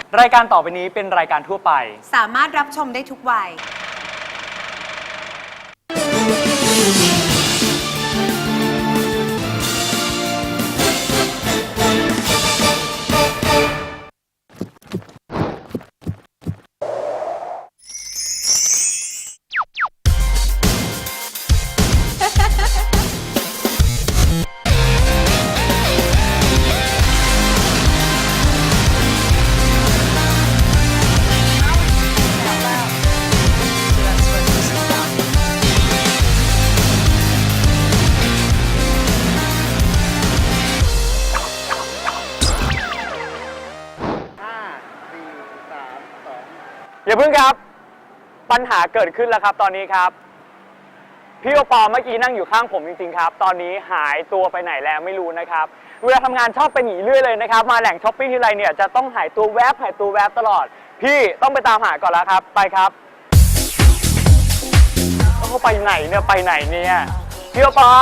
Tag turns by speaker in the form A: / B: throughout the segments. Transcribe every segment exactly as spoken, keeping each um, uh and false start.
A: รายการต่อไปนี้เป็นรายการทั่วไป
B: สามารถรับชมได้ทุกวัย
A: อย่าเพิ่งครับปัญหาเกิดขึ้นแล้วครับตอนนี้ครับพี่โอปอเมื่อกี้นั่งอยู่ข้างผมจริงๆครับตอนนี้หายตัวไปไหนแล้วไม่รู้นะครับเวลาทำงานชอบไปหนีเรื่อยเลยนะครับมาแหล่งช้อปปิ้งทีไรเนี่ยจะต้องหายตัวแวบหายตัวแวบตลอดพี่ต้องไปตามหาก่อนแล้วครับไปครับเขาไปไหนเนี่ยไปไหนเนี่ยพี่โอปอ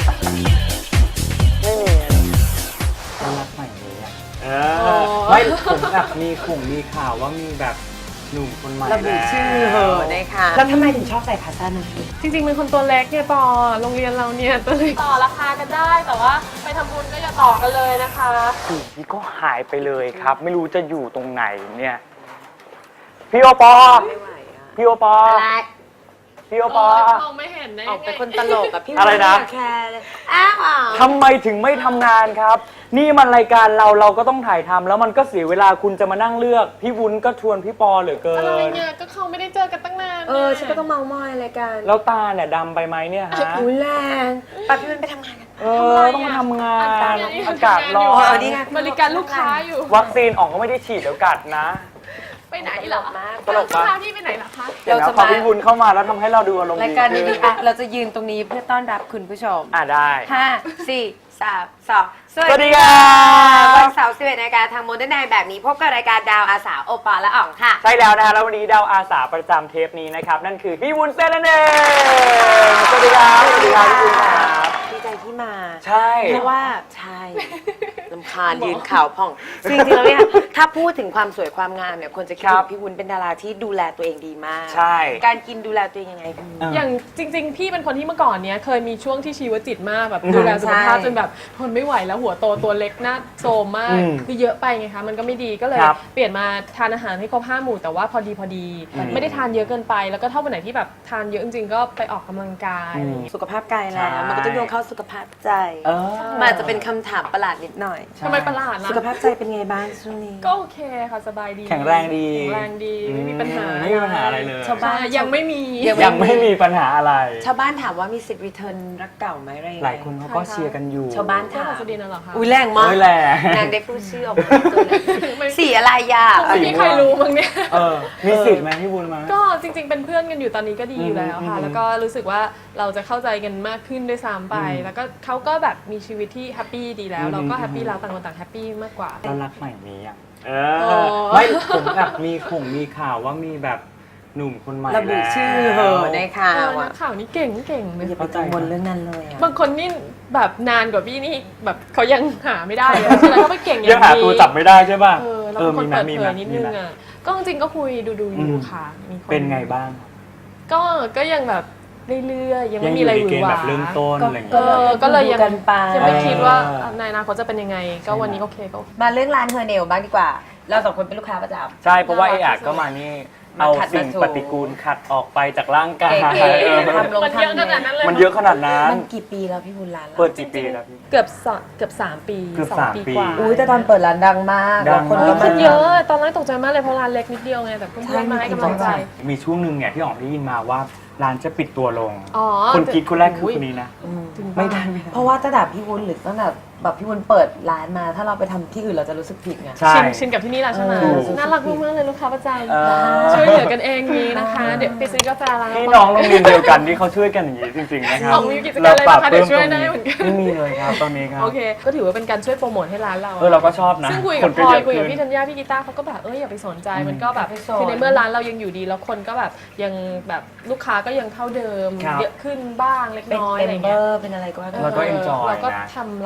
A: ไม่มีน่ารักใหม่เลยอ่ะเออไม่ผมแบบมีข่งมีข่าวว่ามีแบบหนุ่มคนใหม่
B: ระบุชื่อเหอะนะคะแล้วทำไมถึงชอบใส่ขาสั้นนะ
C: จริงๆเป็นคนตัวเล็กเนี่ยปอโรงเรียนเราเนี่ยตัวเล็กต่อราคากันได้แต่ว่าไปทำบุญก็อย่าต่อกันเลยนะคะ
A: อยู่ที่ก็หายไปเลยครับไม่รู้จะอยู่ตรงไหนเนี่ยพี่โอปอพี่โอปอพี่โอปอ
C: มองไม่เห็นได้
B: ออกเป็นคนตลกกับพี่
A: อะไรนะ
B: แคร์เลยอ้าว
A: ทำไมถึงไม่ทำงานครับนี่มันรายการเราเราก็ต้องถ่ายทำแล้วมันก็เสียเวลาคุณจะมานั่งเลือกพี่วุ้นก็ชวนพี่ปอเหลือเกิน
C: อะไรเนี่ยก็เขาไม่ได้เจอกันตั้งนาน
B: เออฉันก็ต้องเมามอยอะไรกัน
A: แล้วตาเนี่ยดำไปไหมเนี่ยฮะ
B: อุ้ยแรงป้าพี่วุ้นไปทำงานกัน
A: เออต้องมาทำงานอากาศร้อน
C: บริการลูกค้าอยู่
A: วัคซีนออกก็ไม่ได้ฉีดเดี๋ยวกัดนะ
C: ไปไหนเหรอ
A: ตลกปะ
C: ที่ไปไหนล่ะคะ
A: เดี๋ยวพอพี่วุ้นเข้ามาแล้วทำให้เราดูอารมณ์ดี
B: รายการนี้อ่ะเราจะยืนตรงนี้เพื่อต้อนรับคุณผู้ชม
A: อ่ะได้
B: ห้าสี่สามสอง
A: สวัสดีค่ะ
B: วันเสาร์สิบเอ็ดนาฬิกาทางโมเดิร์นไนท์แบบนี้พบกับรายการดาวอาสาโอปอและอ๋องค่ะ
A: ใช่แล้วนะคะแล้ววันนี้ดาวอาสาประจำเทปนี้นะครับนั่นคือพี่วุ้นเส้นนั่นเองสวัสดีครับสวัสดีครับพี่วุ้นครับ
B: ดีใจที่มา
A: ใช่
B: เพราะว่าใช่ลำคาญยืนข่าวพ่องจริงๆแล้วเนี่ยถ้าพูดถึงความสวยความงามเนี่ยคนจะคิดถึงพี่วุ้นเป็นดาราที่ดูแลตัวเองดีมาก
A: ใช่
B: การกินดูแลตัวเองยังไง
C: อย่างจริงๆพี่เป็นคนที่เมื่อก่อนเนี้ยเคยมีช่วงที่ชีวจิตมากแบบดูแลสุขภาพจนแบบทนไม่ไหวแล้วหัวโตตัวเล็กหน้าโซมมากคือเยอะไปไงคะมันก็ไม่ดีก็เลยเปลี่ยนมาทานอาหารให้ครบห้าหมู่แต่ว่าพอดีพอดีไม่ได้ทานเยอะเกินไปแล้วก็ถ้าวันไหนที่แบบทานเยอะจริงๆก็ไปออกกำลังกาย
B: สุขภาพกายแล้วมันก็ต้องโยงเข้าสุขภาพใจมันอาจจะเป็นคำถามประหลาดนิดหน่อย
C: ทำไมประหลาดล่ะ
B: สุขภาพใจเป็นไงบ้างช่วงนี้
C: ก็โอเคค่ะสบายดี
A: แข็งแรงดี
C: แข็งแรงดีไม่มีปัญหา
A: ไม่มีปัญหาอะไรเลย
B: ชาวบ้าน
C: ยังไม่มี
A: ยังไม่มีปัญหาอะไร
B: ชาวบ้านถามว่ามีสิทธิ์รีเทิร์นรักเก่าไหมอะไร
A: หลายคนเขาก็เชียร์กันอยู่
B: ชาวบ้านถาม
C: ประเด็นอะไรหรอคะ
B: อุ้ยแรงมาก
A: แรง
B: นางได้พูดชื่อออกมาสีอะไรยา
C: ไม่มีใครรู้มั้งเนี่ย
A: เออมีสิทธิ์ไหมพี่บุญมา
C: ก็จริงๆเป็นเพื่อนกันอยู่ตอนนี้ก็ดีอยู่แล้วค่ะแล้วก็รู้สึกว่าเราจะเข้าใจกันมากขึ้นด้วยซ้ำไปแล้วก็เขาก็แบบมีชีวิตที่แฮปปี้ดีแล้วเราก็แฮปปี้เราต่างคนต่างแฮปปี้มากกว่า
A: แล้วรักใหม่มีอ่ะเออไม่ผมแบบมีข่งมีข่าวว่ามีแบบหนุ่มคนใหม่
B: ระบุชื่อเหอะในข่าว
C: อ่ะข่าวนี้เก่งเก่งเลย
B: อย่าไปกังวลเรื่องนั้นเลย
C: บางคนนี่แบบนานกว่าพี่นี่แบบเขายังหาไม่ได้เลยใช่ไหมเขาไม่เก่งอย่างนี้
A: ยังหาตัวจับไม่ได้ใช่ป่ะ
C: เออเราคนเปิดเผยนิดนึงอ่ะก็จริงก็คุยดูดูอยู่ค่ะ
A: มีคนเป็นไงบ้าง
C: ก็ก็ยังแบบเรื่อยๆยังไม่มีอะไรหวือหวา
A: แบบเริ่มต้นอะไรอย่างเงี้
C: ยก็เลยยังยังไม่คิดว่าในอนาคตจะเป็นยังไงก็วันนี้โอเคก็
B: มาเรื่องร้านเฮอร์เนลบ้างดีกว่าเราสองคนเป็นลูกค้าประจำ
A: ใช่เพราะว่าไอ้อาก็มานี่เอาสิ่งปฏิกูลขัดออกไปจากร่างกาย
C: มันเยอะขนาดนั้นเลย
A: มันเยอะขนาดนั้น
B: มันกี่ปีแล้วพี่บุญร้าน
A: เปิดกี่ปีแล้วพี่
C: เกือบเกือบสามปี
A: เกือบสามปี
C: กว่า
B: อุ้ยแต่ตอนเปิดร้านดังมาก
C: คนก็มาเยอะตอนแรกตกใจมากเลยเพราะร้านเล็กนิดเดียวไงแต่เพื่อนๆมาให้กำลังใจ
A: มีช่วงหนึ่งเนี่ยที่อ๋องได้ยินมาว่าร้านจะปิดตัวลงคนคิดคนแรกคือคนนี้นะ
B: ไม่ได้เพราะว่าตั้งแต่พี่วุ้นหรือตั้งแต่แบบพี่วุ้นเปิดร้านมาถ้าเราไปทำที่อื่นเราจะรู้สึกผิดไง
C: ชินชินกับที่นี่แล้วใช่ไหมน่ารักมากๆเลยลูกค้าประจำช่วยเหลือกันเองนี้นะคะเดี๋ยวไปซื้อกาแฟร้าน
A: พี่น้องโรงเรียนเดียวกันที่เขาช่วยกันอย่างนี้จริงๆนะครับ
C: มีกิจการอะไรนะคะเดี๋ยวช่วยได้เหมือนกัน
A: ไม่มีเลยครับตอนนี้ครับ
C: โอเคก็ถือว่าเป็นการช่วยโปรโมทให้ร้านเรา
A: เออเราก็ชอบนะ
C: ซึ่งคุยกับพลอยคุยกับพี่ธัญญาพี่กีตาร์เขาก็แบบเอออย่าไปสนใจมันก็แบบคือในเมื่อร้านเรายังอยู่ดีแล้วคนก็แบบยังแบบลูกค้าก็ยังเท่าเดิมเยอะขึ้นบ้างเล็กน้อยอะไรเงี้ย
B: เป็นอะไรก็
A: เราก็เอ็นจอย
C: เราก็ทำร้านของเราให้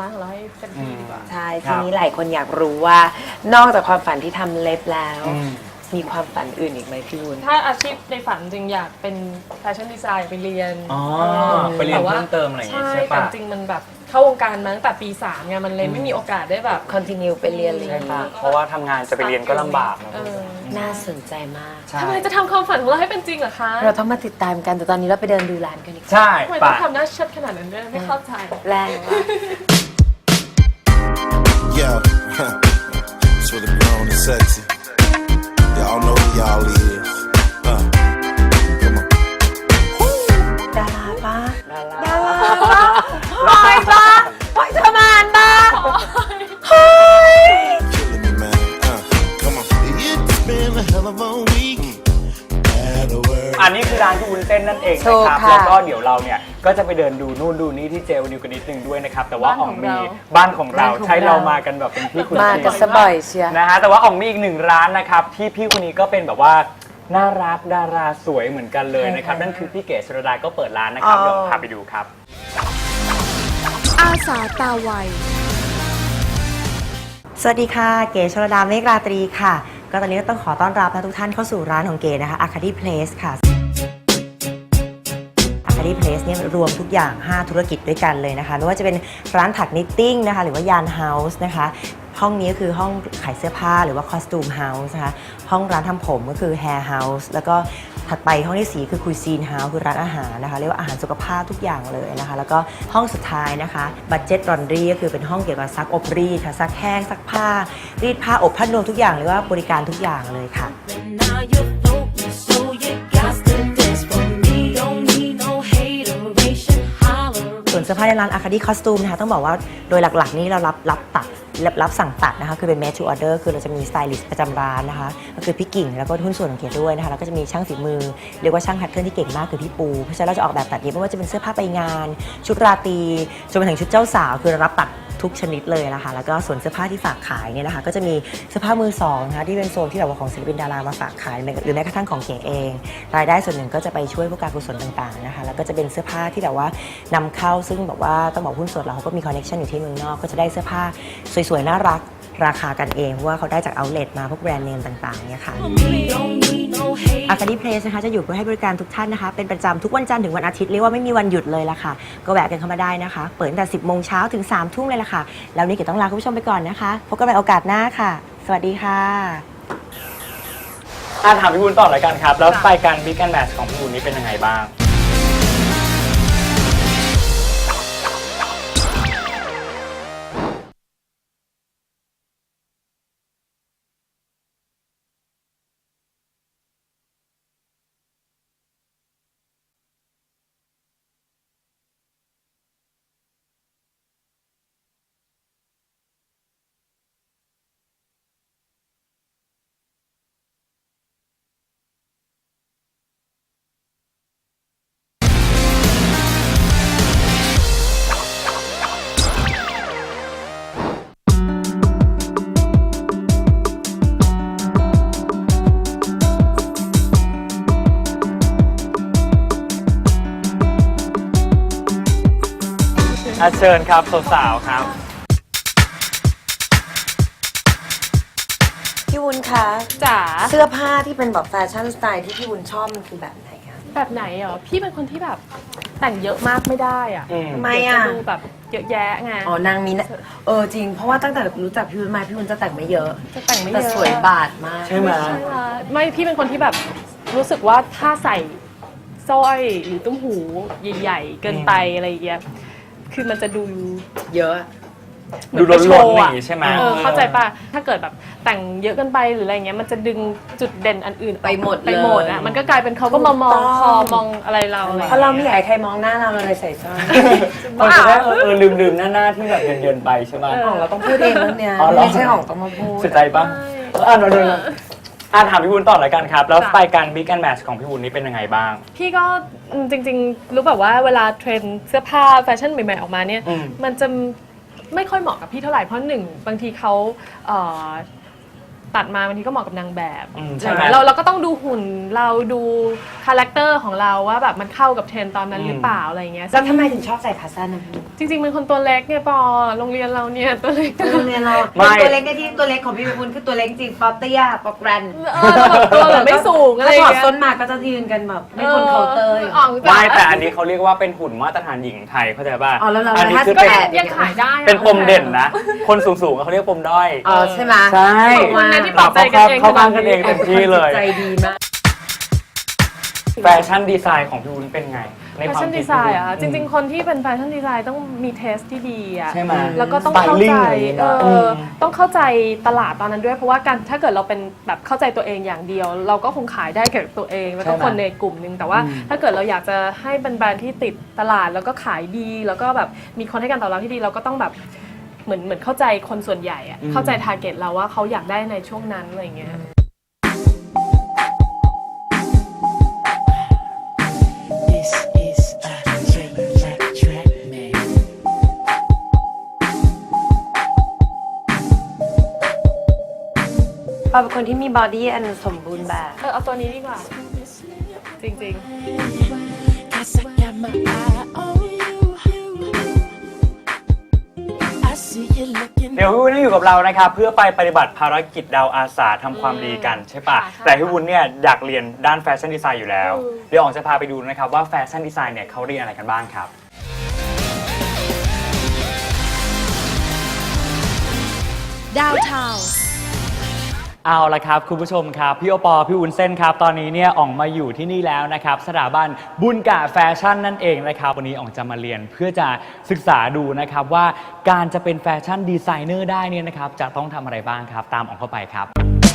C: เต็มที่ดีกว่า
B: ใช่
A: ครั
B: ที
A: บ
B: นี้หลายคนอยากรู้ว่านอกจากความฝันที่ทำเล็บแล้ว
A: อืม
B: มีความฝันอื่นอีกไหมพี่วุ้น
C: ถ้าอาชีพในฝันจริงอยากเป็นแฟชั่นดีไซน์ไปเรียน
A: อ๋อ
C: ออ
A: ไปเรียน
C: แต่ว่า
A: เพิ่มเติมอะไรอย่างงี้
C: ใช่
A: ใช่
C: แต่
A: ปะ
C: จริงมันแบบเข้าวงการมาตั้งแต่ปีสามไงมันเลยไม่มีโอกาสได้แบบ
B: continue ไปเรียนอะไรอ
A: ใช่
B: ย่าง
A: ปะ
B: นี้
A: เพราะว่าทำงานจะไปเรียนก็ลำบากนะ
C: เออ
B: น่าสนใจมาก
A: ใช่
C: ทำไมจะทำความฝันของเราให้เป็นจริงเหรอคะ
B: เราต้องมาติดตามกันแต่ตอนนี้เราไปเดินดูร้านกันดีกว่า
A: ใช่
C: ทำไม
A: ปะ
C: ต้องทำหน้าเชิดขนาดนั้นด้วยไม่เข้าใจ
B: แรงว่ะ
D: Yo, it's really grown and sexy. Y'all know who y'all is. Uh, come on.
B: ดาราปะ
A: ดารา
B: ดาราปะพลอยปะพลอยชมานปะเฮ้ย
D: Killing me, man. Uh, come on. It's been a hell of a week. Had a word.
A: อันนี้คือร้านที่วุ้นเส้นนั่นเอง
B: ถู
A: นะ
B: ก
A: ครับ
B: ค่ะ
A: แล้วก็เดี๋ยวเราเนี่ยก็จะไปเดินดูนู่นดูนี่ที่เจลนิวกันนิดนึงด้วยนะครับ แต่ว่า
C: บ้าน
A: อ่
C: ข
A: อ
C: อง ง
A: มี
C: เรา
A: บ้านของเรา
B: บ้านของ
A: ใช้เรา
B: เรา
A: มากันแบบเป็นพี่คุณ
B: มา
A: จริง
B: กันสบอยเชียร์
A: นะฮะแต่ว่าอ่องมีอีกหนึ่งร้านนะครับที่พี่คนนี้ก็เป็นแบบว่าน่ารักดาราสวยเหมือนกันเลยนะครับ นั่นคือพี่เก๋ชรดาก็เปิดร้านนะครับ
B: อ๋อ
A: เดี๋ยวพาไปดูครับ
E: อาสาตาไว
F: สวัสดีค่ะ เก๋ชลดาเมฆราตรีค่ะ ก็ตอนนี้ก็ต้องขอต้อนรับนะทุกท่านเข้าสู่ร้านของเก๋นะคะ Arcady Place ค่ะ Arcady Place เนี่ยรวมทุกอย่าง ห้า ธุรกิจด้วยกันเลยนะคะ ไม่ว่าจะเป็นร้านถักนิตติ้งนะคะ หรือว่ายานเฮาส์นะคะ ห้องนี้ก็คือห้องขายเสื้อผ้าหรือว่าคอสตูมเฮาส์นะคะ ห้องร้านทำผมก็คือ Hair House แล้วก็ถัดไปห้องที่สี่คือ Cuisine House คือร้านอาหารนะคะ เรียกว่าอาหารสุขภาพทุกอย่างเลยนะคะ แล้วก็ห้องสุดท้ายนะคะ Budget Laundry ก็คือเป็นห้องเกี่ยวกับซักอบรีดค่ะซักแห้งซักผ้า รีดผ้าอบผ้านวมทุกอย่างเรียกว่าบริการทุกอย่างเลยค่ะ
G: Now you're floating, so you got to dance for me. Don't need no hateration, holler.
F: ส่วนเสื้อผ้าในร้าน Arcady Costume นะคะต้องบอกว่าโดยหลักๆนี่เรารับรับตัดรับรับสั่งตัดนะคะคือเป็น made to order คือเราจะมีสไตลิสต์ประจำร้านนะคะก็คือพี่กิ่งแล้วก็หุ้นส่วนของเกียรติด้วยนะคะแล้วก็จะมีช่างฝีมือเรียกว่าช่างแพทเทิร์นที่เก่งมากคือพี่ปูเพราะฉะนั้นเราจะออกแบบตัดเย็บไม่ว่าจะเป็นเสื้อผ้าไปงาน ชุดราตรีจนไปถึงชุดเจ้าสาวคือเรารับตัดทุกชนิดเลยนะคะแล้วก็ส่วนเสื้อผ้าที่ฝากขายเนี่ยนะคะก็จะมีเสื้อผ้ามือสองนะคะที่เป็นโซนที่แบบว่าของศิลปินดารามาฝากขายหรือแม้กระทั่งของเก๋เองรายได้ส่วนหนึ่งก็จะไปช่วยพวกการกุศลต่างๆนะคะแล้วก็จะเป็นเสื้อผ้าที่แบบว่านำเข้าซึ่งแบบว่าต้องบอกหุ้นส่วนเราเขาก็มีคอนเนคชั่นอยู่ที่เมืองนอกก็จะได้เสื้อผ้าสวยๆน่ารักราคากันเองเพราะว่าเขาได้จากเอาท์เลทมาพวกแบรนด์เนมต่างๆเนี่ยค่ะ
G: Don't need no hate.
F: Arcady Place นะคะจะอยู่เพื่อให้บริการทุกท่านนะคะเป็นประจำทุกวันจันทร์ถึงวันอาทิตย์เรียกว่าไม่มีวันหยุดเลยละค่ะก็แวะกันเข้ามาได้นะคะเปิดตั้งแต่สิบโมงเช้าถึงสามทุ่มเลยละค่ะแล้วนี้เก๋ต้องลาคุณผู้ชมไปก่อนนะคะพบกันใหม่โอกาสหน้าค่ะ สวัสดีค่ะ
A: อ่ะถามพี่วุ้นต่อเลยกันครับ แล้วสไตล์การบิ๊กแอนด์แมทของพี่วุ้นนี่เป็นยังไงบ้าง อาเชิญครับสาวๆครับ
B: พี่วุ้นคะ
C: จ๋า
B: เสื้อผ้าที่เป็นแบบแฟชั่นสไตล์ที่พี่วุ้นชอบมันคือแบบไหนคะ
C: แบบไหนเหรอพี่เป็นคนที่แบบแต่งเยอะมากไม่ได้อ่ะ
A: อืม
B: ทำไม
C: เดี๋ยว
B: อ่ะ
C: จะดูแบบเยอะแยะไง
B: อ๋อนางมีนะเออจริงเพราะว่าตั้งแต่รู้จักพี่วุ้นมาพี่วุ้นจะแต่งไม่เยอะ
C: จะแต่งไม่เย
B: แต่
C: อะ
B: สวยบาดมาก
A: ใช่ไหม
C: ใช่ค่ะไม่พี่เป็นคนที่แบบรู้สึกว่าถ้าใส่สร้อยหรือตุ้มหูใหญ่ๆเกินไปอะไรอย่างเงี้ยคือมันจะดู
B: เยอะ
A: ดู
C: เหมือ
A: ล้
C: ไป
A: น
C: โชว์
A: ๆอ
C: อะ
A: ย่างงี้ใช่ไหม
C: เออเข้าใจป่ะถ้าเกิดแบบแต่งเยอะเกินไปหรืออะไรเงี้ยมันจะดึงจุดเด่นอันอื่นออก
B: ไปหมด
C: ไปหมด
B: เลย
C: อ่ะมันก็กลายเป็นเขาก็มามอง
B: ถูกต้อง
C: คอมองอะไรเราอะไร
B: เพราะเราไม่อยากให้ใครมองหน้าเราเราเลยใส่สร้อย
A: เราจะได้เออเออลืมๆหน้าๆที่แบบเยินๆไปใช่ไหม
B: ของเราต้องพูดเองแล้วเนี่ย
A: อ๋อเหรอ
B: ไม่ใช่ของต้องมาพูด
A: เสียใจปะเอออ่ะเดี๋ยวๆอ่ะถามพี่วุ้นต่อเลยกันครับ แล้วสไตล์การบิ๊กแอนด์แมทของพี่วุ้นนี่เป็นยังไงบ้าง
C: พี่ก็อืมจริงๆ รู้แบบว่าเวลาเทรนด์เสื้อผ้าแฟชั่นใหม่ๆออกมาเนี่ย
A: อืม
C: มันจะไม่ค่อยเหมาะกับพี่เท่าไหร่เพราะหนึ่งบางทีเขาเอ่อตัดมาบางทีก็เหมาะกับนางแบบ
A: อืมใช่ไหม
C: เราเราก็ต้องดูหุ่นเราดูคาแรคเตอร์ของเราว่าแบบมันเข้ากับเทรนด์ตอนนั้นหรือเปล่าอะไรอย่างเงี้ย
B: แล้วทำไมถึงชอบใส่ขาสั้นนะพี่
C: จริงๆเป็นคนตัวเล็กเนี่ยปอโรงเรียนเราเนี่ยตัวเล็ก
B: โรงเรียนเรา
A: ไม่
B: ตัวเล็กได้ที่ตัวเล็กของพี่เป็นคุณคือตัวเล็กจริงป๊อปเตี้ยป๊อปแกรน
C: เออเราแบบตัวแบบไม่สูงอะไรอ
B: ถ้าถอด
C: ย่างเงี้ย
B: ส้นมาก็จะยืนกันแบบไม่พ้นเคาน์เตอร์อยู่
C: อ๋อ
A: ไม่แต่อันนี้เขาเรียกว่าเป็นหุ่นมาตรฐานหญิงไทยเข้าใจป่ะ
B: อ๋อแล้วเรา
A: อันนี้
B: ถ้า
A: คือ
B: แป
A: เป็น
B: ด
C: ยังขายได้อะ
A: เป็นปมเด่นนะ คนสูงๆเขาเรียกปมด้อย
B: อ๋อใช่ไหม
A: ใช่
C: ขอบคุณนะที่ปลอบใจกันเอง
A: เข้าข้างกันเองเต็มที่เลย
B: ใจดีมาก
A: แฟชั่นดีไซน์ของพี่วุ้นเป็นไงใน
C: แฟ
A: ความ
C: ชั่น
A: คิ
C: ดีไซน์อะจริง ๆ คนที่เป็นแฟชั่นดีไซน์ต้องมีเทสที่ดีอะ
A: ใช่ไหม
C: แล้วก็ต้องเข้า
A: Styling
C: ใจ
A: อะไรอย่างเงี้ย
C: เอ
A: อื
C: อ
A: ม
C: ต้องเข้าใจตลาดตอนนั้นด้วยเพราะว่าการถ้าเกิดเราเป็นแบบเข้าใจตัวเองอย่างเดียว เราก็คงขายได้แก่ตัวเองแล้วก็คนในกลุ่มหนึงแต่ว่าถ้าเกิดเราอยากจะให้เป็นแบรนด์ที่ติดตลาดแล้วก็ขายดี แล้วก็แบบมีคนให้การตอบรับที่ดีเราก็ต้องแบบเหมือนเหมือนเข้าใจคนส่วนใหญ่อะเข้าใจทาร์เก็ตเราว่าเขาอยากได้ในช่วงนั้นอะไรอย่างเงี้ย
G: This is a track, track, track, man.
B: ปาเป็นคนที่มีบอดี้อันสมบูรณ์แบบ
C: เออเอาตัวนี้ดีกว่า จริง
G: Cause I got my eye on you. I see you looking.
A: เดี๋ยวพี่วุ้นอยู่กับเรานะครับเพื่อไปปฏิบัติภารกิจดาวอาสาทำความดีกันใช่ปะ
C: ค่ะ
A: แต่พี่วุ้นเนี่ยอยากเรียนด้านแฟชั่นดีไซน์อยู่แล้ว
C: อืม
A: เดี๋ยวอ๋องจะพาไปดูนะครับว่าแฟชั่นดีไซน์เนี่ยเขาเรียนอะไรกันบ้างครับ
E: ดาวเทา
A: เอาละครับคุณผู้ชมครับพี่โอปอพี่วุ้นเส้นครับตอนนี้เนี่ยอ่องมาอยู่ที่นี่แล้วนะครับสถาบันบุญกะแฟชั่นนั่นเองนะครับวันนี้อ่องจะมาเรียนเพื่อจะศึกษาดูนะครับว่าการจะเป็นแฟชั่นดีไซเนอร์ได้เนี่ยนะครับจะต้องทำอะไรบ้างครับตามอ่องเข้าไปครับ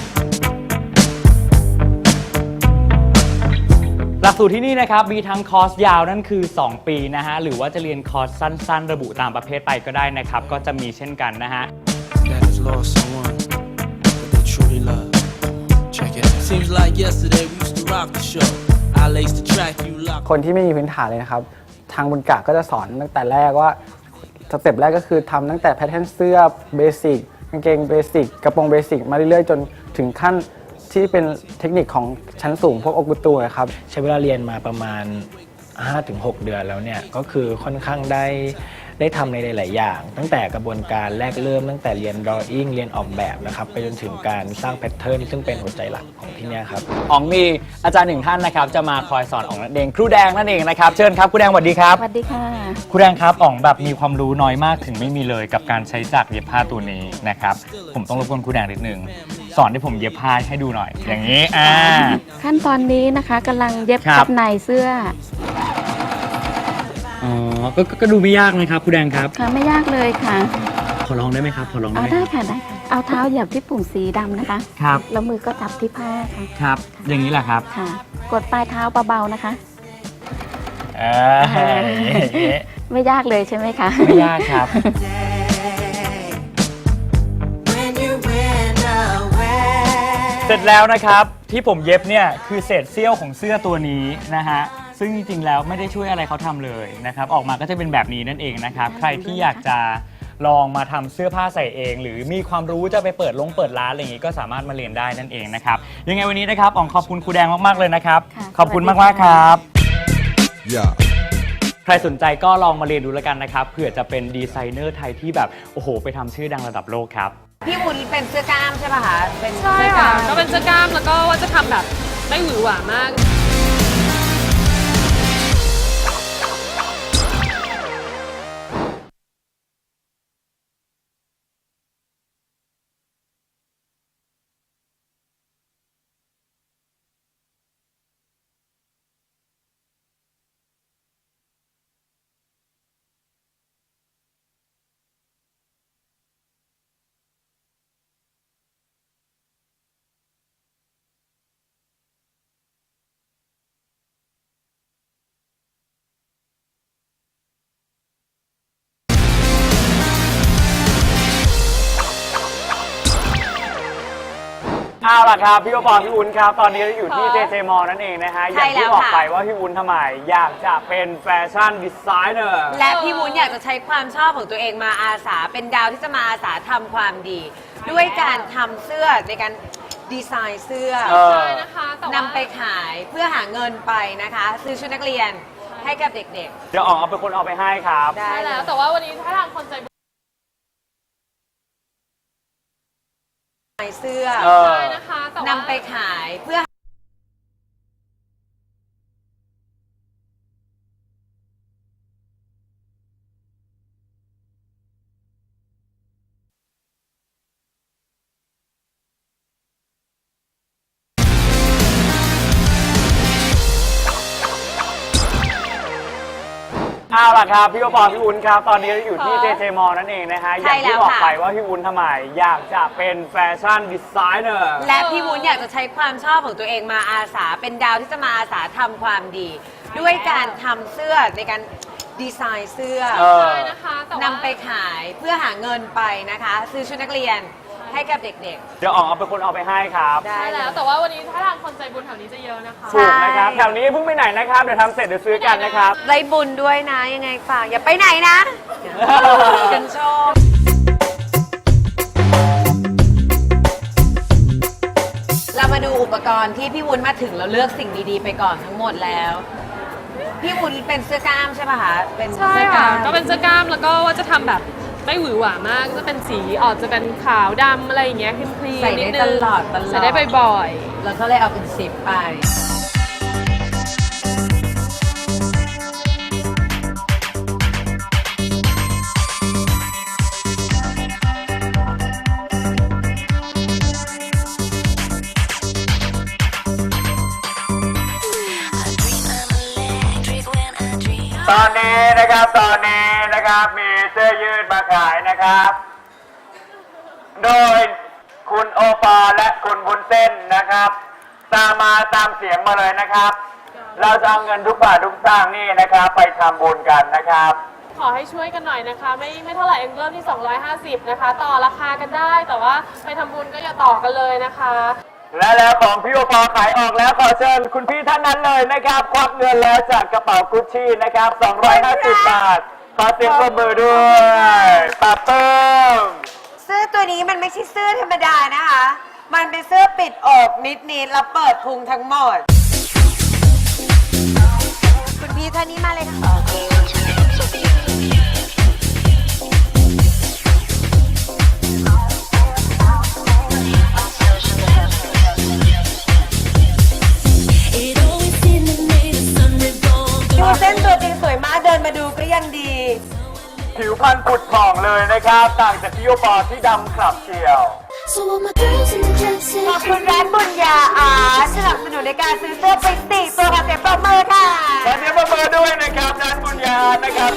A: หลักสูตรที่นี่นะครับมีทั้งคอร์สยาวนั่นคือสองปีนะฮะหรือว่าจะเรียนคอร์สสั้นๆ ระบุตามประเภทไปก็ได้นะครับก็จะมีเช่นกันนะฮะ
H: that has lost someone that they truly love. Check it out. Seems like yesterday we used to rock the show. I laced the track, you locked.
I: คนที่ไม่มีพื้นฐานเลยนะครับ ทางบุญกะก็จะสอนตั้งแต่แรกว่าสเต็ปแรกก็คือทำตั้งแต่แพทเทิร์นเสื้อเบสิกกางเกงเบสิกกระโปรงเบสิกมาเรื่อยๆ จนถึงขั้นที่เป็นเทคนิคของชั้นสูงพวกโอกุตูครับ
J: ใช้เวลาเรียนมาประมาณ ห้าถึงหก เดือนแล้วเนี่ยก็คือค่อนข้างได้ได้ทำในหลาย ๆ อย่าง ตั้งแต่กระบวนการแรกเริ่มตั้งแต่เรียน drawing เรียนออกแบบนะครับไปจนถึงการสร้างแพทเทิร์นซึ่งเป็นหัวใจหลักของที่เนี่ยครับ
A: อ๋องมีอาจารย์หนึ่งท่านนะครับจะมาคอยสอนอ๋องนั่นเองครูแดงนั่นเองนะครับเชิญครับครูแดงสวัสดีครับ
K: สวัสดีค่ะ
A: ครูแดงครับอ๋องแบบมีความรู้น้อยมากถึงไม่มีเลยกับการใช้จักรเย็บผ้าตัวนี้นะครับผมต้องรบกวนครูแดงนิดนึงสอนที่ผมเย็บผ้าให้ดูหน่อย อย่างนี้อ่า
K: ขั้นตอนนี้นะคะกำลังเย็บ
A: ครับ
K: กับในเสื้อ
A: อ๋อก็ก็ดูไม่ยากนะครับครูแดงครับ
K: ค่ะไม่ยากเลยค่ะ
A: ขอลองได้ไหมครับขอลองได้
K: เอา
A: ไหม
K: ได้ค่ะได้ค่ะเอาเท้าเหยียบที่ปุ่มสีดำนะคะ
A: ครับ
K: แล้วมือก็จับที่ผ้าค่ะ
A: ครับ อย่างนี้แหละครับ
K: ค่ะ กดปลายเท้าเบาๆนะคะ
A: เอ้ย
K: ไม่ยากเลยใช่ไหมคะ
A: ไม่ยากครับ
G: When you went away.
A: เสร็จแล้วนะครับที่ผมเย็บเนี่ยคือเศษเสี้ยวของเสื้อตัวนี้นะฮะซึ่งจริงๆแล้วไม่ได้ช่วยอะไรเขาทำเลยนะครับออกมาก็จะเป็นแบบนี้นั่นเองนะครับใครที่อยากจะลองมาทำเสื้อผ้าใส่เอง หรือมีความรู้จะไปเปิดลงเปิดร้านอะไรอย่างนี้ก็สามารถมาเรียนได้นั่นเองนะครับยังไงวันนี้นะครับอ๋องขอบคุณครูแดงมากๆเลยนะครับ
K: ค่ะ
A: ขอบคุณ
K: สวัสดี
A: มากๆครับ
D: Yeah.
A: ใครสนใจก็ลองมาเรียนดูแล้วกันนะครับเผื่อจะเป็นดีไซเนอร์ไทยที่แบบโอ้โหไปทำชื่อดังระดับโลกครับ
B: พี่วุ้นเป็นเสื้อกล้ามใช่ป่ะคะเป็น
C: ใช่
B: เสื้อก
C: ค่ะ
B: ล้าม
C: ก็เป็นเสื้อกล้ามแล้วก็ว่าจะทำแบบไม่หวือหวามาก
A: เอาล่ะครับพี่โอปอพี่วุ้นครับตอนนี้เราอยู่ที่ เจ เจ มอ นั่นเองนะฮะอย่างที่บอกไปว่าพี่วุ้นทำไมอยากจะเป็นแฟชั่นดีไซเนอร์
B: และพี่วุ้นอยากจะใช้ความชอบของตัวเองมาอาสาเป็นดาวที่จะมาอาสาทำความดีด้วยการทำเสื้อในการดีไซน์เสื้อ
A: เออ
C: ใช่นะคะแต่ว่าน
B: ำไปขายเพื่อหาเงินไปนะคะ ซื้อชุดนักเรียนให้กับเด็ก
A: เดี๋ยวอ๋องเอาเป็นคนเอาไปให้ครับ
B: ๆ ได้
C: ใช่
B: เล
C: แล้ว
B: ย
C: แต่ว่าวันนี้ถ้าทางคนใจบุญ
B: เสื้อ
A: เออ
C: ใช่นะคะแต่ว่าน
B: ำไปขายเพื่อ
A: เอาล่ะครับพี่โอปอล์พี่วุ้นครับตอนนี้เราอยู่ที่ เจ เจ มอลล์ นั่นเองนะฮะอ
B: ใช่
A: ย่างที่
B: แล้ว
A: บอก
B: ค่ะ
A: ไปว่าพี่วุ้นทำไมอยากจะเป็นแฟชั่นดีไซเนอร์
B: และพี่วุ้นอยากจะใช้ความชอบของตัวเองมาอาสาเป็นดาวที่จะมาอาสาทำความดี ด้วยการทำเสื้อในการดีไซน์เสื้อ
A: เออ
C: ใช่นะคะแต่ว่าน
B: ำไปขายเพื่อหาเงินไปนะคะ ซื้อชุดนักเรียนให้กับเด็ก
A: เดี๋ยวอ๋องเอาเป็นคนเอาไปให้ครับ
B: ๆ ได้
C: ใช่
B: เล
C: แล้ว
B: ย
C: แต่ว่าวันนี้ถ้าทางคนใจบุญแถวนี้จะเยอะนะคะ
A: ถูกนะครับแถวนี้เพิ่งไปไหนนะครับเดี๋ยวทำเสร็จเดี๋ยวซื้อกันนะครับ
B: ได้บุญด้วยนะยังไงฝากอย่าไปไหนนะกันชมเรามาดูอุปกรณ์ที่พี่วุ้นมาถึงเราเลือกสิ่งดีๆไปก่อนทั้งหมดแล้ว พี่วุ้นเป็นเสื้อกล้ามใช่ป่ะคะเป็น
C: ใช่
B: เสื้อก
C: ค่ะ
B: ล้าม
C: ก็เป็นเสื้อกล้ามแล้วก็ว่าจะทำแบบไม่หวือหวามากก็จะเป็นสีออกจะเป็นขาวดำอะไรอย่างเงี้ยคลีนๆ
B: ใส่
C: นิ
B: ได้
C: ดนึง
B: ตลอดตลอด
C: ใส่ได้บ่อย
B: เราก็เลยเอาเป็นสิบไป
A: ตอนนี้นะครับตอนนี้นะครับมีเสื้อยืดมาขายนะครับ โดยคุณโอปอล์และคุณบุญเส้นนะครับ ตามมาตามเสียงมาเลยนะครับ เราจะเอาเงินทุกบาททุกสตางค์นี่นะครับ ไปทำบุญกันนะครับ
C: ๆ ขอให้ช่วยกันหน่อยนะคะ ไม่ไม่เท่าไหร่เองเริ่มที่ สองร้อยห้าสิบ นะคะ ต่อราคากันได้ แต่ว่าไปทำบุญก็อย่าต่อกันเลยนะคะ
A: และแล้วของพี่โอปอล์ขายออกแล้วขอเชิญคุณพี่ท่านนั้นเลยนะครับควักเงินแล้วจากกระเป๋ากุชชี่นะครับสองร้อยห้าสิบบาทขอเสียงปรบมือด้วยปาเปิ้ม
B: เสื้อตัวนี้มันไม่ใช่เสื้อธรรมดานะคะ มันเป็นเสื้อปิดอกนิดๆแล้วเปิดพุงทั้งหมด คุณพี่ท่านนี้มาเลยค่ะ ดูเส้นตัวจริงสวยมากเดินมาดูก็ยังดี
A: ผิวพรรณผุดผ่องเลยนะครับ ต่างจากพี่โอปอล์ที่ดำขลับเชียว
G: So all my girls in the dresses.
B: ขอบคุณร้านบุญญาอาร์สนับสนุนในการซื้อเสื้อไปสี่ตัวค่ะเสียงปรบมือค่ะ
A: ขอเสียงปรบมือด้วยนะครับด้านบุญญานะครับ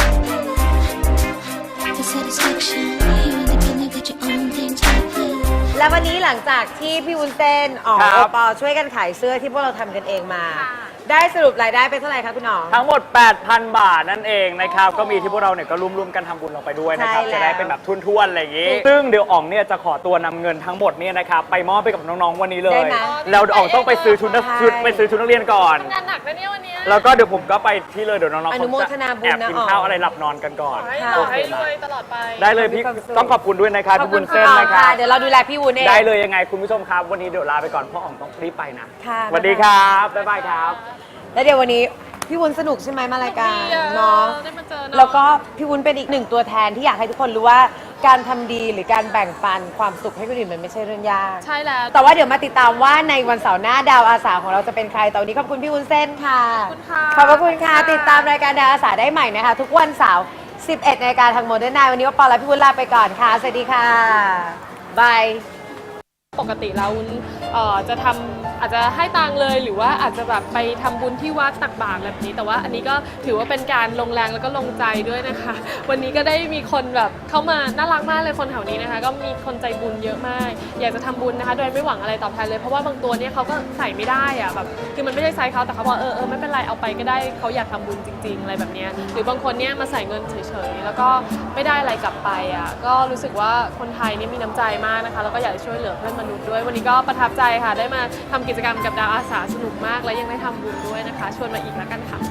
G: For satisfaction, you independent, got your own things to play.
B: แล้ววันนี้หลังจากที่พี่วุ้นเต้นอ๋อ
A: ครับ
B: โอปอช่วยกันขายเสื้อที่พวกเราทำกันเองมา ได้สรุปรายได้เป็นเท่าไหร่คะคุณหนอง
A: ทั้งหมด แปดพัน บาทนั่นเองนะครับ ก็มีที่พวกเราเนี่ยก็ร่วมๆกันทำบุญลงไปด้วยนะครับ
B: ใช่แล้ว
A: จะได้เป็นแบบทุนๆอะไรอย่างงี้ ซึ่งเดี๋ยวอ่องเนี่ยจะขอตัวนำเงินทั้งหมดเนี่ยนะครับไปมอบไปกับน้องๆวันนี้เล
B: ได้
A: ย
B: ไหม
A: แล้วเดี๋ยวอ่องต้องไปซื้อชุดนัก
B: ใช่
A: ชุดไปซื้อชุดนักเรียนก่อน
C: งานหนักนะเนี่ยวันเนี้ย
A: แล้วก็เดี๋ยวผมก็ไปที่เลยเดี๋ยวน้องๆ
B: อนุโม
A: เขา
B: ท
A: จะ
B: นาบุญ
A: แอบ
B: นะ
A: กิน
B: อ๋อ
A: ข้าวอะไรหลับนอนกันก่อน
C: ขอให้
B: ค่ะ
C: ต่อให้รวยตลอดไป
A: ได้เลยพี่
B: มีความสุข
A: ต้องขอบคุณด้วยนะครับพี่บุญเส้น
B: อ๋อ
A: นะครับ
B: เดี๋ยวเราดูแลพี่วุ้นเอง
A: ได้เลยยังไงคุณผู้ชมครับ วันนี้เดี๋ยวลาไปก่อนเพราะอ่องต้องรีบไปนะ
B: ค่ะ
A: สวัสดีครับบ๊ายบายครับ
B: แล้วเดี๋ยววันนี้พี่วุ้นสนุกใช่ไหมมารายการ
C: ดีอะ
B: เนาะ
C: ได้มาเจอน้อง
B: แล้วก็พี่วุ้นเป็นอีกหนึ่งตัวแทนที่อยากให้ทุกคนรู้ว่าการทำดีหรือการแบ่งปันความสุขให้คนอื่นมันไม่ใช่เรื่องยาก
C: ใช่แล้ว
B: แต่ว่าเดี๋ยวมาติดตามว่าในวันเสาร์หน้าดาวอาสาของเราจะเป็นใครแต่วันนี้ขอบคุณพี่วุ้นเส้นค่ะ
C: ขอบคุณค่ะ
B: ขอบพระคุณค่ะ ติดตามรายการดาวอาสาได้ใหม่นะคะ ทุกวันเสาร์สิบเอ็ดนาฬิกาทางโมเดิร์นไนน์วันนี้ว่าปอและพี่วุ้นลาไปก่อนค่ะ สวัสดีค่ะบาย
C: ปกติเราเอ่อจะทำอาจจะให้ตังค์เลยหรือว่าอาจจะแบบไปทำบุญที่วัดตักบาตรแบบนี้ แต่ว่าอันนี้ก็ถือว่าเป็นการลงแรงแล้วก็ลงใจด้วยนะคะ วันนี้ก็ได้มีคนแบบเข้ามาน่ารักมากเลยคนแถวนี้นะคะ ก็มีคนใจบุญเยอะมาก อยากจะทำบุญนะคะ โดยไม่หวังอะไรตอบแทนเลยเพราะว่าบางตัวเนี่ยเขาก็ใส่ไม่ได้อะแบบคือมันไม่ได้ไซส์เขาแต่เขาบอกเออเออไม่เป็นไรเอาไปก็ได้เขาอยากทำบุญจริง ๆ อะไรแบบเนี้ยหรือบางคนเนี่ยมาใส่เงินเฉยๆแล้วก็ไม่ได้อะไรกลับไปอ่ะก็รู้สึกว่าคนไทยนี่มีน้ำใจมากนะคะแล้วก็อยากจะช่วยเหลือเพื่อนมนุษย์ด้วยวันนี้ก็ประทับใจค่ะได้มาทำกิจกรรมกับดาวอาสาสนุกมากและยังได้ทำบุญด้วยนะคะชวนมาอีกแล้วกันค่ะ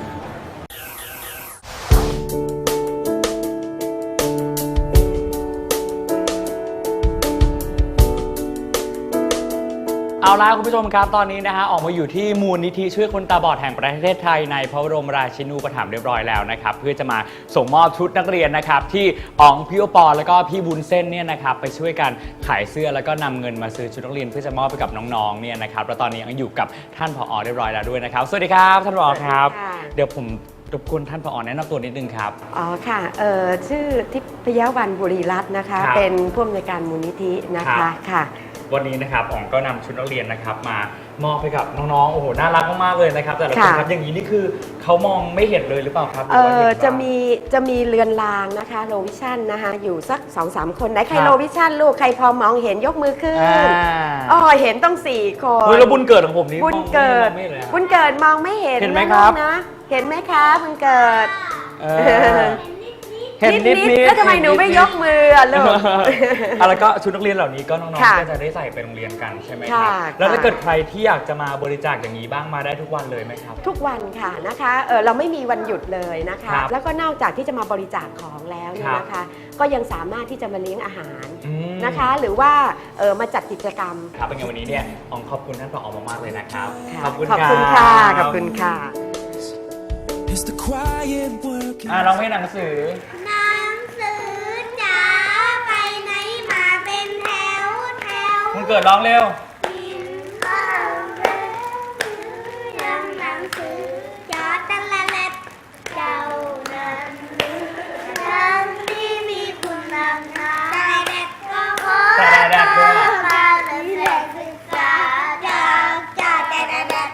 A: เอาล่ะคุณผู้ชมครับตอนนี้นะฮะออกมาอยู่ที่มูลนิธิช่วยคนตาบอดแห่งประเทศไทยในพระบรมราชินูปถัมภ์เรียบร้อยแล้วนะครับเพื่อจะมาส่งมอบชุดนักเรียนนะครับที่อ๋องพี่โอปอแล้วก็พี่บุญเส้นเนี่ยนะครับไปช่วยกันขายเสื้อแล้วก็นำเงินมาซื้อชุดนักเรียนเพื่อจะมอบไปกับน้องๆเนี่ยนะครับแล้วตอนนี้ยังอยู่กับท่านผอเรียบร้อยแล้วด้วยนะครับสวัสดีครับท่านผอครับ
B: ค่ะ
A: เดี๋ยวผมรบกวนท่านผอแนะนำตัวนิดนึงครับ
B: อ๋อค่ะเอ่อชื่อทิพยวันบุรีรัตน์นะคะ
A: ครับ
B: เป็นผู้อำนวยการมูลนิธินะ
A: ครั
B: คะ
A: บ
B: ค่ะ
A: วันนี้นะครับอ๋องก็นำชุดนักเรียนนะครับมามอบให้กับน้องๆโอ้โหน่ารักมากๆเลยนะครับแต่ละคน
B: ค่ะ
A: ครับอย่างนี้นี่คือเขามองไม่เห็นเลยหรือเปล่าครับหรื
B: เอ
A: ว่า
B: อ
A: เห็นบ้าง
B: จะมีจะมีเรือนรางนะคะโลวิชั่นนะคะอยู่สักสองสามคนไหนใคร
A: ครับ
B: โลวิชั่นลูกใครพอมองเห็นยกมือขึ้น
A: อ่า
B: อ๋อเห็นต้องสี่คน
A: เฮ้ยแล้วบุญเกิดของผมนี่
B: บุญเกิด
A: มองไม่เห็นเลยอะ
B: บุญเกิดมองไม่เห็น
A: เห็นไหม
B: นะครับ ลูกนะ เห็นไหมคะบุญเกิด
A: เออเห็นนิดๆ
B: แล้วทำไมหนูไม่ยกมืออะลูก
A: อ่ะแล้วก็ชุดนักเรียนเหล่านี้ก็น้อง
B: ค่ะ
A: ๆก็จะได้ใส่ไปโรงเรียนกันใช่ไหมค
B: ค่ะ
A: รับแล้วถ้า
B: ค่ะ
A: เกิดใครที่อยากจะมาบริจาคอย่างนี้บ้างมาได้ทุกวันเลยไหมครับ
B: ทุกวันค่ะนะคะเออเราไม่มีวันหยุดเลยนะคะ
A: ครับ
B: แล้วก็นอกจากที่จะมาบริจาคของแล้วเนี่ย
A: ครับ
B: นะคะ ก็ยังสามารถที่จะมาเลี้ยงอาหาร
A: อืม
B: นะคะ หรือว่าเออมาจัดกิจกรรม
A: ครับเป็นไงวันนี้เนี่ยอ๋องขอบคุณท่านผอมากๆเลยนะครับ
B: ค่ะ
A: ขอบคุณ
B: ขอบคุณ
A: รั
B: ค่ะขอบคุณค่ะ
H: It's the quiet work.
A: อ่ะร้องเพลงหนังสือ
G: หนังสือจ๋าไปไหนมาเป็นแถวแถว
A: คุณเกิดร้องเร็ว
G: กินข้าวเร็วยังหนังสือจ๋าแต่ละเล็บเจ้านั้นเรื่องที่มีคุณนำทางแต่เด็กก็ขอ
A: แต่เด็กด้วย
G: มาเรียนศึกษาจากจ่าแต่เด็ก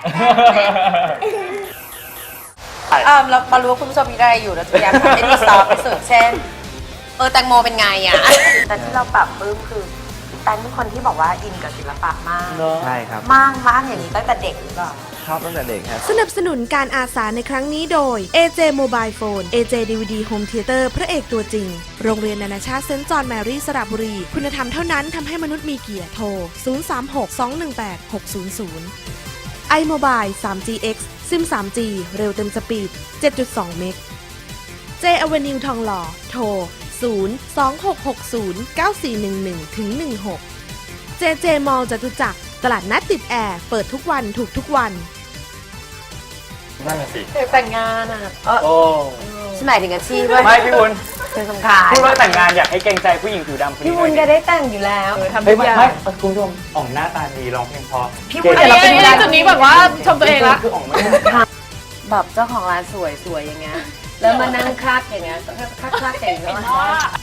B: เออเรามารู้ว่าคุณผู้ชมมีอะไรอยู่เราจะพยายามทำให้ดีซอฟต์ที่สุดเช่น เออแตงโมเป็นไงอ่ะ แต่ที่เราปรับปลื้มคือแตงเป็นคนที่บอกว่าอินกับศิลปะมาก
I: ใช่ครับ
B: มากมากอย่างนี้ตั้งแต่เด็กหรือเปล่า
I: ชอบตั้งแต่เด็กครับ
E: สนับสนุนการอาสาในครั้งนี้โดย เอ เจ Mobile Phone เอ เจ ดี วี ดี Home Theater พระเอกตัวจริง โรงเรียนนานาชาติเซนต์จอห์นแมรี่สระบุรี คุณธรรมเท่านั้นทำให้มนุษย์มีเกียรติโทร ศูนย์ สาม หก สอง หนึ่ง แปด หก ศูนย์ ศูนย์ iMobile ทรี จี เอ็กซ์ ซิม ทรี จี เร็วเต็มสปีด เจ็ดจุดสอง เมก J Avenue ทองหล่อ โทร ศูนย์ สอง หก หก ศูนย์ เก้า สี่ หนึ่ง หนึ่ง ถึง หนึ่ง หก เจ เจ Mall จตุจักรตลาดนัดติดแอร์ เปิดทุกวันถูกทุกวัน
A: นั่นแหละสิ
B: แต่งงานอ่ะเออ
A: โอ้
B: ฉันหมายถึงอาชีพเว้ย
A: ไม่พี่บุญ
B: เป็นสำคัญ
A: พูดว่าแต่งงานอยากให้เกรงใจผู้หญิงผิวดำคนนี้
B: พี่วุ้น
A: ห
B: ก็
A: น่อย
B: ได้แต่งอยู่แล้วทำ
A: เฮ้
B: ทุ
A: ย
B: ก
A: ไม่
B: อย่าง
A: ไม่คุณผู้ชมอ่องหน้าตาดีร้องเพลงเพอ
B: พี่วุ้น
C: อันนี้อันนี้จุดนี้แบบว่าชมตัวเองละ
A: คืออ่องไม่ได้
B: แบบเจ้าของร้านสวยๆอย่างเงี้ย แล้วมานั่งคลักอย่างเงี้ยคลักคลักๆอย่างเงี้ย